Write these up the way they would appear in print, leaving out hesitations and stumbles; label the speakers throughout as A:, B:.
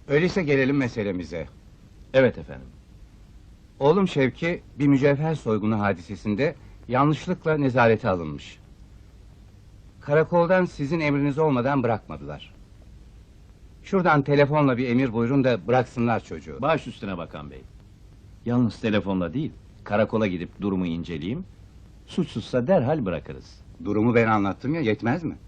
A: Öyleyse gelelim meselemize.
B: Evet efendim.
A: Oğlum Şevki, bir mücevher soygunu hadisesinde yanlışlıkla nezarete alınmış. Karakoldan sizin emriniz olmadan bırakmadılar. Şuradan telefonla bir emir buyurun da bıraksınlar çocuğu.
B: Baş üstüne bakan bey. Yalnız telefonla değil, karakola gidip durumu inceleyeyim. Suçsuzsa derhal bırakırız.
A: Durumu ben anlattım ya, yetmez mi?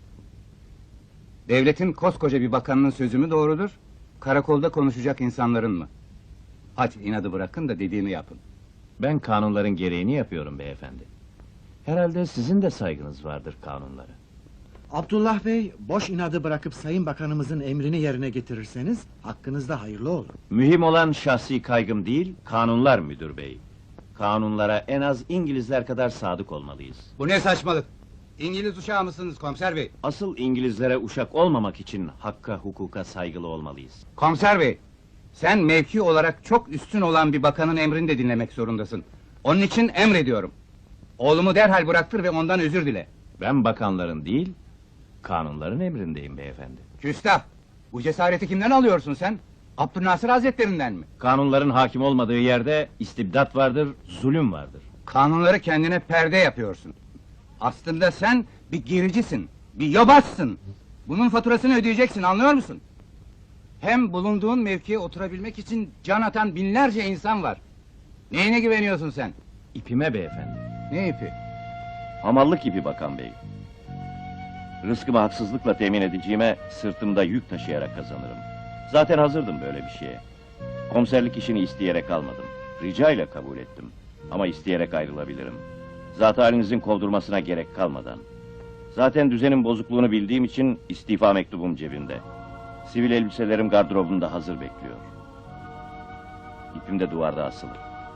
A: Devletin koskoca bir bakanının sözü mü doğrudur? Karakolda konuşacak insanların mı? Hadi inadı bırakın da dediğini yapın.
B: Ben kanunların gereğini yapıyorum beyefendi. Herhalde sizin de saygınız vardır kanunlara.
C: Abdullah Bey, boş inadı bırakıp Sayın Bakanımızın emrini yerine getirirseniz, hakkınızda hayırlı olur.
B: Mühim olan şahsi kaygım değil, kanunlar müdür bey. Kanunlara en az İngilizler kadar sadık olmalıyız.
A: Bu ne saçmalık? İngiliz uşağı mısınız komiser bey?
B: Asıl İngilizlere uşak olmamak için hakka, hukuka saygılı olmalıyız.
A: Komiser bey, sen mevki olarak çok üstün olan bir bakanın emrini de dinlemek zorundasın. Onun için emrediyorum. Oğlumu derhal bıraktır ve ondan özür dile.
B: Ben bakanların değil, kanunların emrindeyim beyefendi.
A: Küstah! Bu cesareti kimden alıyorsun sen? Abdülnasır Hazretlerinden mi?
B: Kanunların hakim olmadığı yerde istibdat vardır, zulüm vardır.
A: Kanunları kendine perde yapıyorsun. Aslında sen bir gericisin, bir yobazsın. Bunun faturasını ödeyeceksin, anlıyor musun? Hem bulunduğun mevkiye oturabilmek için can atan binlerce insan var. Neyine güveniyorsun sen?
B: İpime beyefendi.
A: Ne ipi?
B: Hamallık ipi bakan bey. Rızkımı haksızlıkla temin edeceğime sırtımda yük taşıyarak kazanırım. Zaten hazırdım böyle bir şeye. Komiserlik işini isteyerek almadım. Rica ile kabul ettim. Ama isteyerek ayrılabilirim. Zat halinizin kovdurmasına gerek kalmadan. Zaten düzenin bozukluğunu bildiğim için istifa mektubum cebimde. Sivil elbiselerim gardırobumda hazır bekliyor. İpim de duvarda asılı.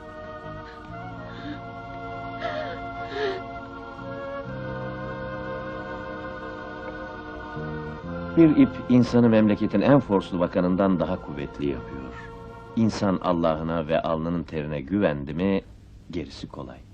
B: Bir ip insanı memleketin en forslu bakanından daha kuvvetli yapıyor. İnsan Allah'ına ve alnının terine güvendi mi gerisi kolay.